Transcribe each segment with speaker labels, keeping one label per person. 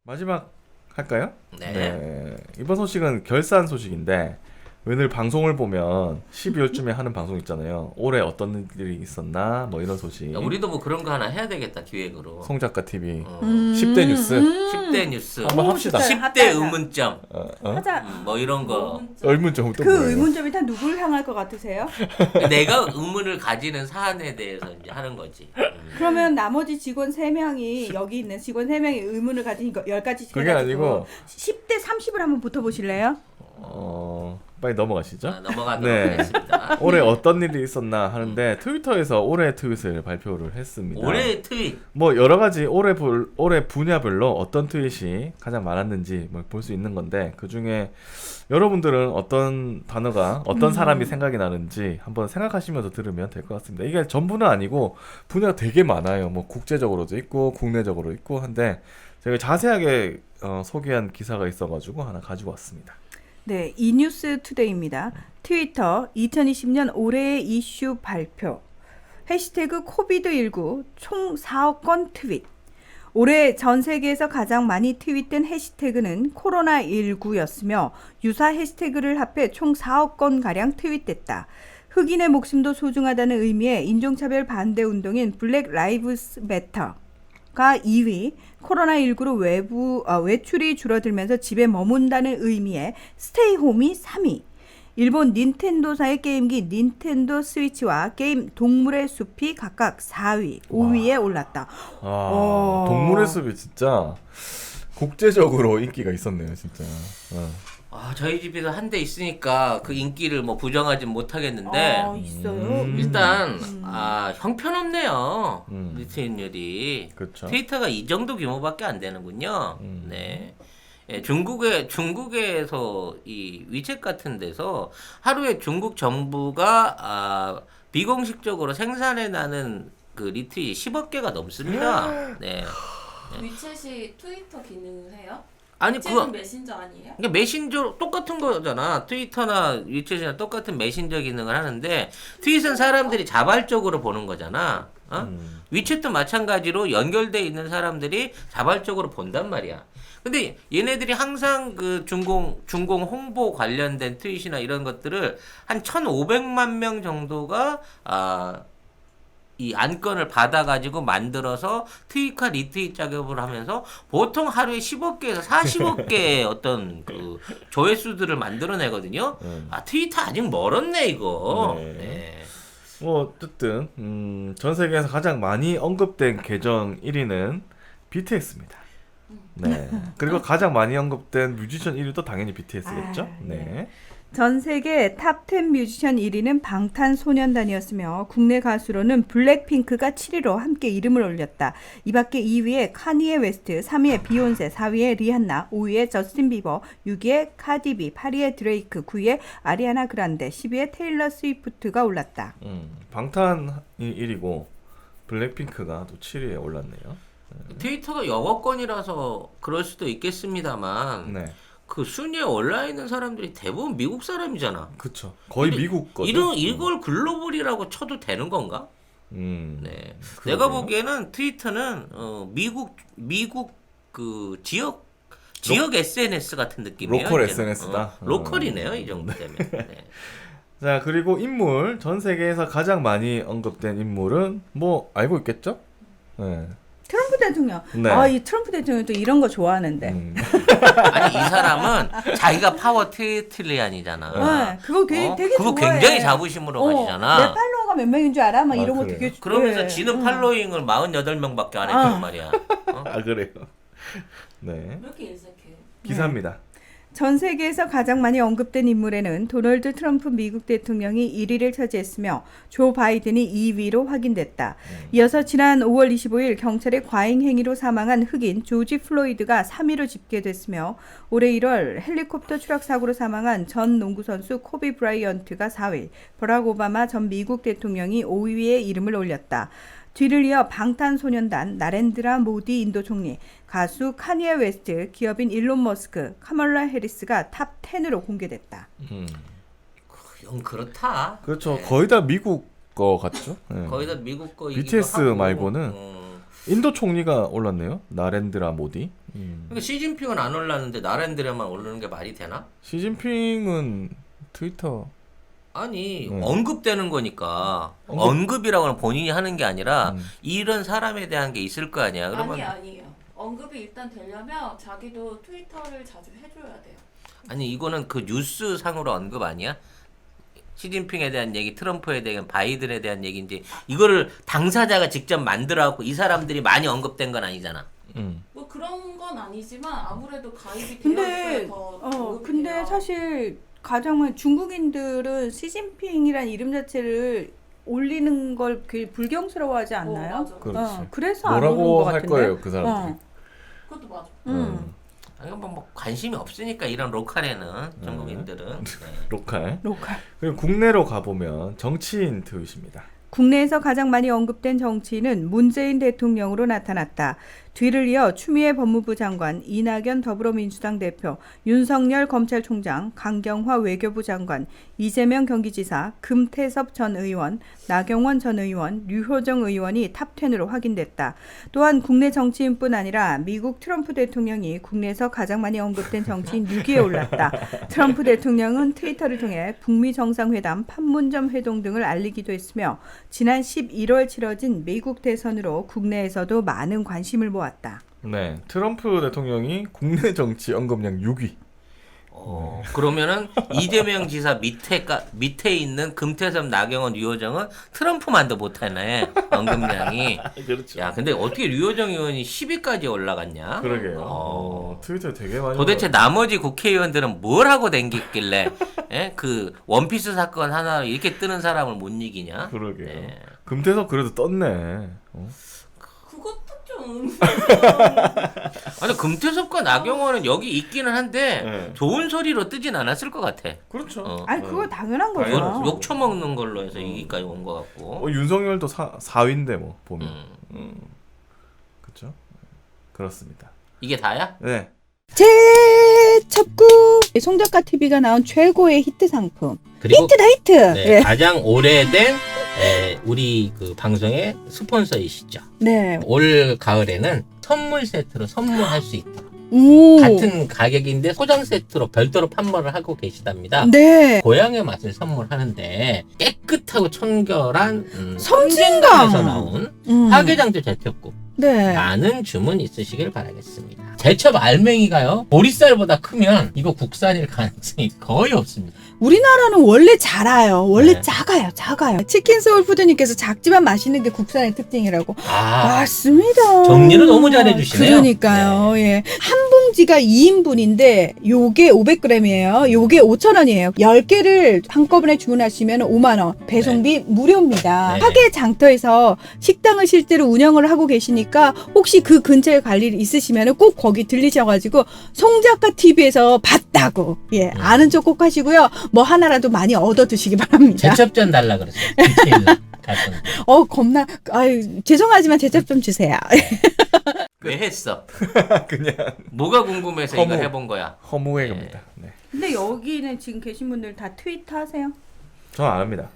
Speaker 1: 마지막 할까요?
Speaker 2: 네.
Speaker 1: 이번 소식은 결산 소식인데 오늘 방송을 보면 12월쯤에 하는 방송 있잖아요. 올해 어떤 일이 있었나 뭐 이런 소식.
Speaker 2: 야, 우리도 뭐 그런 거 하나 해야 되겠다 기획으로.
Speaker 1: 송 작가 TV
Speaker 3: 10대
Speaker 1: 10대 뉴스
Speaker 2: 10대 뉴스.
Speaker 1: 한번 합시다.
Speaker 2: 10대 의문점.
Speaker 3: 하자.
Speaker 2: 뭐 이런 거.
Speaker 1: 의문점 또
Speaker 3: 그
Speaker 1: 뭐예요?
Speaker 3: 의문점이 다 누굴 향할 것 같으세요?
Speaker 2: 내가 의문을 가지는 사안에 대해서 이제 하는 거지.
Speaker 3: 그러면 나머지 직원 3명이 여기 있는 직원 3명이 의문을 가진 거 10가지
Speaker 1: 그게 아니고
Speaker 3: 10대 30을 한번 붙어보실래요?
Speaker 1: 빨리 넘어가시죠.
Speaker 2: 넘어가도록
Speaker 1: 네.
Speaker 2: 하겠습니다.
Speaker 1: 올해 어떤 일이 있었나 하는데 트위터에서 올해 트윗을 발표를 했습니다.
Speaker 2: 올해의 트윗.
Speaker 1: 뭐 여러 가지 올해 분야별로 어떤 트윗이 가장 많았는지 볼 수 있는 건데 그 중에 여러분들은 어떤 단어가 어떤 사람이 생각이 나는지 한번 생각하시면서 들으면 될 것 같습니다. 이게 전부는 아니고 분야가 되게 많아요. 뭐 국제적으로도 있고 국내적으로 있고 한데 제가 자세하게 소개한 기사가 있어가지고 하나 가지고 왔습니다.
Speaker 3: 네, 이뉴스 투데이입니다. 트위터 2020년 올해의 이슈 발표. 해시태그 코비드19 총 4억 건 트윗. 올해 전 세계에서 가장 많이 트윗된 해시태그는 코로나19였으며 유사 해시태그를 합해 총 4억 건가량 트윗됐다. 흑인의 목숨도 소중하다는 의미의 인종차별 반대 운동인 블랙 라이브스 매터가 2위, 코로나19로 외출이 줄어들면서 집에 머문다는 의미의 스테이홈이 3위, 일본 닌텐도사의 게임기 닌텐도 스위치와 게임 동물의 숲이 각각 4위, 5위에 올랐다.
Speaker 1: 동물의 숲이 진짜 국제적으로 인기가 있었네요, 진짜.
Speaker 2: 저희 집에도 한 대 있으니까 그 인기를 뭐 부정하진 못하겠는데
Speaker 3: 있어요.
Speaker 2: 일단 형편없네요. 리트윗률이.
Speaker 1: 그렇죠.
Speaker 2: 트위터가 이 정도 규모밖에 안 되는군요. 네. 예, 중국에서 이 위챗 같은 데서 하루에 중국 정부가 비공식적으로 생산해 나는 그 리트윗이 10억 개가 넘습니다. 네.
Speaker 4: 위챗이 트위터 기능을 해요?
Speaker 2: 아니
Speaker 4: 위챗은 메신저 아니에요?
Speaker 2: 그러니까 메신저 똑같은 거잖아. 트위터나 위챗이나 똑같은 메신저 기능을 하는데 트윗은 사람들이 자발적으로 보는 거잖아. 위챗도 마찬가지로 연결돼 있는 사람들이 자발적으로 본단 말이야. 근데 얘네들이 항상 그 중공 홍보 관련된 트윗이나 이런 것들을 한 1,500만 명 정도가 이 안건을 받아가지고 만들어서 트윗과 리트윗 작업을 하면서 보통 하루에 10억 개에서 40억 개의 어떤 그 조회수들을 만들어내거든요. 트위터 아직 멀었네 이거. 네.
Speaker 1: 뭐 어쨌든 전 세계에서 가장 많이 언급된 계정 1위는 BTS입니다. 네. 그리고 가장 많이 언급된 뮤지션 1위도 당연히 BTS겠죠. 네.
Speaker 3: 전 세계 탑10 뮤지션 1위는 방탄소년단이었으며 국내 가수로는 블랙핑크가 7위로 함께 이름을 올렸다. 이 밖에 2위에 카니에 웨스트, 3위에 비욘세, 4위에 리한나, 5위에 저스틴 비버, 6위에 카디비, 8위에 드레이크, 9위에 아리아나 그란데, 10위에 테일러 스위프트가 올랐다.
Speaker 1: 방탄이 1위고 블랙핑크가 또 7위에 올랐네요.
Speaker 2: 트위터가 영어권이라서 그럴 수도 있겠습니다만
Speaker 1: 네.
Speaker 2: 그 순위에 올라 있는 사람들이 대부분 미국 사람이잖아.
Speaker 1: 그쵸. 거의 미국 거죠.
Speaker 2: 이걸 글로벌이라고 쳐도 되는 건가? 네. 내가 보기에는 트위터는 미국 그 지역 SNS 같은 느낌이에요.
Speaker 1: 로컬
Speaker 2: 이제는.
Speaker 1: SNS다.
Speaker 2: 로컬이네요, 이 정도 되면. 네.
Speaker 1: 자, 그리고 인물 전 세계에서 가장 많이 언급된 인물은 뭐 알고 있겠죠? 네.
Speaker 3: 트럼프 대통령.
Speaker 1: 네.
Speaker 3: 이 트럼프 대통령 또 이런 거 좋아하는데.
Speaker 2: 아니 이 사람은 자기가 파워 트리안이잖아.
Speaker 3: 네, 그거 되게
Speaker 2: 그거
Speaker 3: 좋아해.
Speaker 2: 굉장히 자부심으로 가지잖아.
Speaker 3: 내 팔로워가 몇 명인 줄 알아? 막 이런 거
Speaker 1: 그래요?
Speaker 3: 되게
Speaker 2: 그러면서
Speaker 3: 네.
Speaker 2: 지는 팔로잉을 48명밖에 안 했단 말이야.
Speaker 1: 그래요. 네.
Speaker 4: 왜 이렇게 인색해?
Speaker 1: 기사입니다.
Speaker 3: 전 세계에서 가장 많이 언급된 인물에는 도널드 트럼프 미국 대통령이 1위를 차지했으며 조 바이든이 2위로 확인됐다. 이어서 지난 5월 25일 경찰의 과잉 행위로 사망한 흑인 조지 플로이드가 3위로 집계됐으며 올해 1월 헬리콥터 추락 사고로 사망한 전 농구 선수 코비 브라이언트가 4위, 버락 오바마 전 미국 대통령이 5위에 이름을 올렸다. 뒤를 이어 방탄소년단, 나렌드라 모디 인도 총리, 가수 카니에 웨스트, 기업인 일론 머스크, 카멀라 해리스가 탑 10으로 공개됐다.
Speaker 2: 영 그렇다.
Speaker 1: 그렇죠. 거의 다 미국 거 같죠? 네.
Speaker 2: 거의 다 미국 거.
Speaker 1: BTS 말고는 인도 총리가 올랐네요. 나렌드라 모디.
Speaker 2: 그러니까 시진핑은 안 올랐는데 나렌드라만 오르는 게 말이 되나?
Speaker 1: 시진핑은 트위터
Speaker 2: 아니 언급되는 거니까 언급이라고 하면 본인이 하는 게 아니라 이런 사람에 대한 게 있을 거 아니야. 그러면
Speaker 4: 아니에요. 언급이 일단 되려면 자기도 트위터를 자주 해줘야 돼요.
Speaker 2: 아니 이거는 그 뉴스 상으로 언급 아니야? 시진핑에 대한 얘기, 트럼프에 대한 바이든에 대한 얘기인지 이거를 당사자가 직접 만들어갖고 이 사람들이 많이 언급된 건 아니잖아.
Speaker 4: 뭐 그런 건 아니지만 아무래도 가입이
Speaker 3: 근데
Speaker 4: 되어 더 언급이
Speaker 3: 근데
Speaker 4: 돼요.
Speaker 3: 사실 가장 중국인들은 시진핑이란 이름 자체를 올리는 걸 되게 불경스러워하지 않나요?
Speaker 4: 맞아.
Speaker 1: 그렇지.
Speaker 3: 그래서 안 오는 것
Speaker 1: 뭐라고 할
Speaker 3: 같은데.
Speaker 1: 거예요, 그 사람들이.
Speaker 4: 그것도 맞아.
Speaker 2: 아니 뭐 관심이 없으니까 이런 로컬에는 중국인들은. 네.
Speaker 1: 로컬.
Speaker 3: 로컬.
Speaker 1: 그리고 국내로 가보면 정치인 트윗입니다.
Speaker 3: 국내에서 가장 많이 언급된 정치인은 문재인 대통령으로 나타났다. 뒤를 이어 추미애 법무부 장관, 이낙연 더불어민주당 대표, 윤석열 검찰총장, 강경화 외교부 장관, 이재명 경기지사, 금태섭 전 의원, 나경원 전 의원, 류호정 의원이 탑10으로 확인됐다. 또한 국내 정치인뿐 아니라 미국 트럼프 대통령이 국내에서 가장 많이 언급된 정치인 6위에 올랐다. 트럼프 대통령은 트위터를 통해 북미 정상회담, 판문점 회동 등을 알리기도 했으며 지난 11월 치러진 미국 대선으로 국내에서도 많은 관심을 모았다.
Speaker 1: 네, 트럼프 대통령이 국내 정치 언급량 6위.
Speaker 2: 그러면은 이재명 지사 밑에 있는 금태섭, 나경원, 류호정은 트럼프만도 못하네 언급량이.
Speaker 1: 그렇죠.
Speaker 2: 야, 근데 어떻게 류호정 의원이 10위까지 올라갔냐?
Speaker 1: 그러게요. 트위터에 되게 많이.
Speaker 2: 도대체 나머지 국회의원들은 뭘 하고 댕겼길래 그 원피스 사건 하나로 이렇게 뜨는 사람을 못 이기냐?
Speaker 1: 그러게요.
Speaker 2: 네.
Speaker 1: 금태섭 그래도 떴네.
Speaker 4: 그것도 좀
Speaker 2: 아니 금태섭과 나경원은 여기 있기는 한데
Speaker 1: 네.
Speaker 2: 좋은 소리로 뜨진 않았을 것 같아.
Speaker 1: 그렇죠.
Speaker 3: 아니 그거 당연한 거죠.
Speaker 1: 당연하죠.
Speaker 2: 욕 처먹는 걸로 해서 여기까지 온 것 같고.
Speaker 1: 윤석열도 4위인데 뭐 보면. 그렇죠. 그렇습니다.
Speaker 2: 이게 다야?
Speaker 1: 네.
Speaker 3: 재첩구 송작가 TV가 나온 최고의 히트 상품.
Speaker 2: 그리고
Speaker 3: 히트다 히트.
Speaker 2: 네,
Speaker 3: 예.
Speaker 2: 가장 오래된 우리 그 방송의 스폰서이시죠.
Speaker 3: 네.
Speaker 2: 올 가을에는 선물 세트로 선물할 수 있다.
Speaker 3: 오.
Speaker 2: 같은 가격인데 소장 세트로 별도로 판매를 하고 계시답니다.
Speaker 3: 네.
Speaker 2: 고향의 맛을 선물하는데 깨끗하고 청결한
Speaker 3: 섬진강.
Speaker 2: 에서 나온
Speaker 3: 음.
Speaker 2: 화개장조 제첩국
Speaker 3: 네.
Speaker 2: 많은 주문 있으시길 바라겠습니다. 제첩 알맹이가요 보리쌀보다 크면 이거 국산일 가능성이 거의 없습니다.
Speaker 3: 우리나라는 원래 작아요. 원래
Speaker 2: 네.
Speaker 3: 작아요. 치킨 소울푸드님께서 작지만 맛있는 게 국산의 특징이라고.
Speaker 2: 아,
Speaker 3: 맞습니다.
Speaker 2: 정리를 너무 잘해주시네요.
Speaker 3: 그러니까요. 예. 한 봉지가 2인분인데 요게 500g이에요. 요게 5,000원이에요. 10개를 한꺼번에 주문하시면 5만 원. 배송비 무료입니다.
Speaker 2: 네.
Speaker 3: 화계 장터에서 식당을 실제로 운영을 하고 계시니까 혹시 그 근처에 갈 일 있으시면 꼭 거기 들리셔가지고 송작가 TV에서 봤다고 예 아는 척 꼭 하시고요. 뭐 하나라도 많이 얻어 드시기 바랍니다.
Speaker 2: 제첩전 달라 그랬어요. 디테일로 갔었는데.
Speaker 3: 겁나 아유 죄송하지만 제첩 좀 주세요.
Speaker 2: 왜 했어?
Speaker 1: 그냥
Speaker 2: 뭐가 궁금해서
Speaker 1: 허무.
Speaker 2: 이거 해본 거야?
Speaker 1: 허무의 겁니다. 네.
Speaker 3: 근데 여기는 지금 계신 분들 다 트위터 하세요?
Speaker 1: 저는 안 합니다.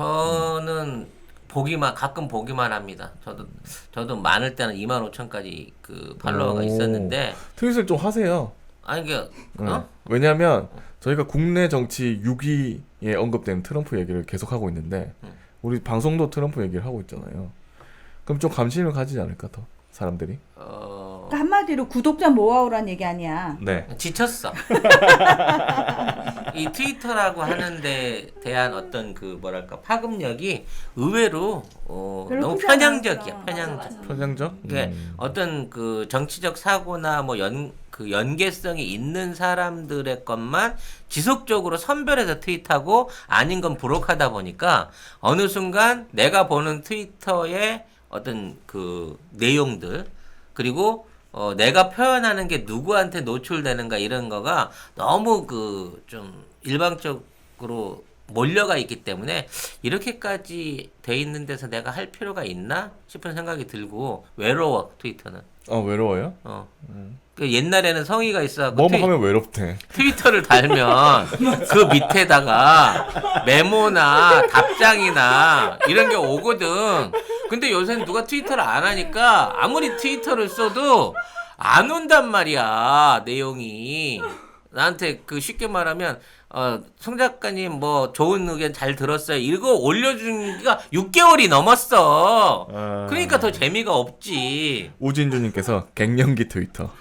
Speaker 2: 저는 가끔 보기만 합니다. 저도 많을 때는 25,000까지 그 팔로워가
Speaker 1: 오.
Speaker 2: 있었는데
Speaker 1: 트윗을 좀 하세요.
Speaker 2: 아니 그
Speaker 1: 네. 왜냐하면 저희가 국내 정치 6위에 언급된 트럼프 얘기를 계속 하고 있는데 우리 방송도 트럼프 얘기를 하고 있잖아요. 그럼 좀 관심을 가지지 않을까 더 사람들이?
Speaker 3: 그러니까 한마디로 구독자 모아오란 얘기 아니야.
Speaker 1: 네.
Speaker 2: 지쳤어. 이 트위터라고 하는데 대한 어떤 그 뭐랄까 파급력이 의외로
Speaker 3: 별로
Speaker 2: 너무
Speaker 3: 크지
Speaker 2: 편향적이야.
Speaker 3: 않았어.
Speaker 2: 편향적.
Speaker 4: 맞아.
Speaker 1: 편향적?
Speaker 2: 그게 어떤 그 정치적 사고나 뭐 그 연계성이 있는 사람들의 것만 지속적으로 선별해서 트윗하고 아닌 건 부록하다 보니까 어느 순간 내가 보는 트위터의 어떤 그 내용들 그리고 내가 표현하는 게 누구한테 노출되는가 이런 거가 너무 그 좀 일방적으로 몰려가 있기 때문에 이렇게까지 돼 있는 데서 내가 할 필요가 있나 싶은 생각이 들고 외로워 트위터는.
Speaker 1: 외로워요?
Speaker 2: 그 옛날에는 성의가 있어.
Speaker 1: 뭐뭐 하면 외롭대.
Speaker 2: 트위터를 달면 그 밑에다가 메모나 답장이나 이런 게 오거든. 근데 요새는 누가 트위터를 안 하니까 아무리 트위터를 써도 안 온단 말이야, 내용이. 나한테 그 쉽게 말하면 송 작가님 뭐 좋은 의견 잘 들었어요. 이거 올려준 지가 6개월이 넘었어. 그러니까 더 재미가 없지.
Speaker 1: 우진주님께서 갱년기 트위터.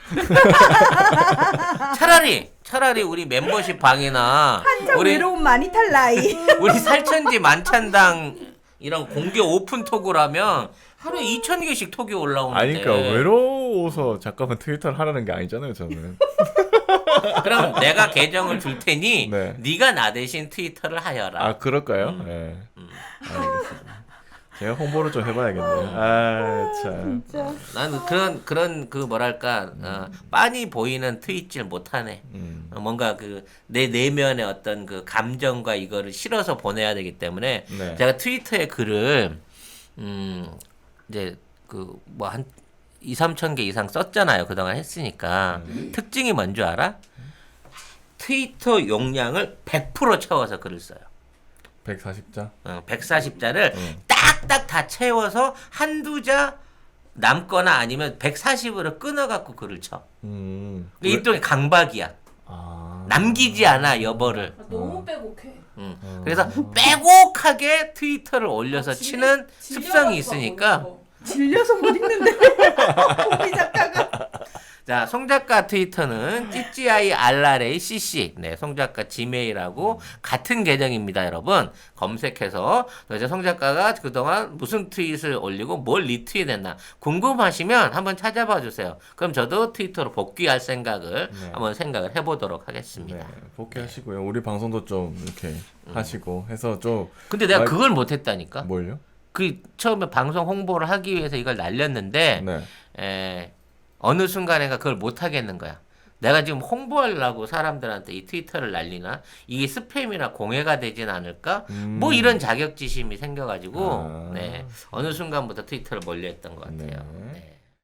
Speaker 2: 차라리 우리 멤버십 방이나
Speaker 3: 한참
Speaker 2: 우리
Speaker 3: 외로움 많이 탈 나이.
Speaker 2: 우리 살천지 만찬당 이런 공개 오픈 톡을 하면 하루에 2,000개씩 톡이 올라오는데.
Speaker 1: 아니 그러니까 외로워서 잠깐만 트위터를 하라는 게 아니잖아요 저는.
Speaker 2: 그럼 내가 계정을 줄 테니
Speaker 1: 네.
Speaker 2: 네가 나 대신 트위터를 하여라.
Speaker 1: 아 그럴까요? 네. 알겠습니다. 제가 홍보를 좀 해봐야겠네요. 아 참.
Speaker 3: 진짜.
Speaker 2: 나는 그런 그 뭐랄까 빤히 보이는 트윗질 못하네. 뭔가 그 내 내면의 어떤 그 감정과 이거를 실어서 보내야 되기 때문에
Speaker 1: 네.
Speaker 2: 제가 트위터에 글을 이제 그 뭐 한 2-3천 개 이상 썼잖아요. 그동안 했으니까. 특징이 뭔지 알아? 트위터 용량을 100% 채워서 글을 써요.
Speaker 1: 140자.
Speaker 2: 140자를 딱딱 다 채워서 한두 자 남거나 아니면 140으로 끊어갖고 글을 쳐. 일종의 강박이야.
Speaker 1: 아.
Speaker 2: 남기지 않아 여벌을.
Speaker 4: 너무 빼곡해.
Speaker 2: 그래서 빼곡하게 트위터를 올려서
Speaker 4: 질려-
Speaker 2: 치는
Speaker 4: 질려가지고
Speaker 2: 습성이 있으니까.
Speaker 4: 안 보이는 거.
Speaker 3: 질려서 못 읽는데. 우리 작가가.
Speaker 2: 자, 송 작가 트위터는 찌찌아이알라레이CC 네, 송 작가 지메일하고 같은 계정입니다, 여러분. 검색해서 이제 송 작가가 그동안 무슨 트윗을 올리고 뭘 리트윗했나 궁금하시면 한번 찾아봐 주세요. 그럼 저도 트위터로 복귀할 생각을
Speaker 1: 네.
Speaker 2: 한번 생각을 해보도록 하겠습니다.
Speaker 1: 네, 복귀하시고요. 우리 방송도 좀 이렇게 하시고 해서 좀
Speaker 2: 근데 내가
Speaker 1: 말-
Speaker 2: 그걸 못했다니까.
Speaker 1: 뭘요?
Speaker 2: 그 처음에 방송 홍보를 하기 위해서 이걸 날렸는데
Speaker 1: 네.
Speaker 2: 어느 순간에가 그걸 못 하겠는 거야. 내가 지금 홍보하려고 사람들한테 이 트위터를 날리나 이게 스팸이나 공해가 되진 않을까? 뭐 이런 자격지심이 생겨가지고
Speaker 1: 아.
Speaker 2: 네 어느 순간부터 트위터를 멀리했던 것 같아요.
Speaker 1: 네.
Speaker 2: 네.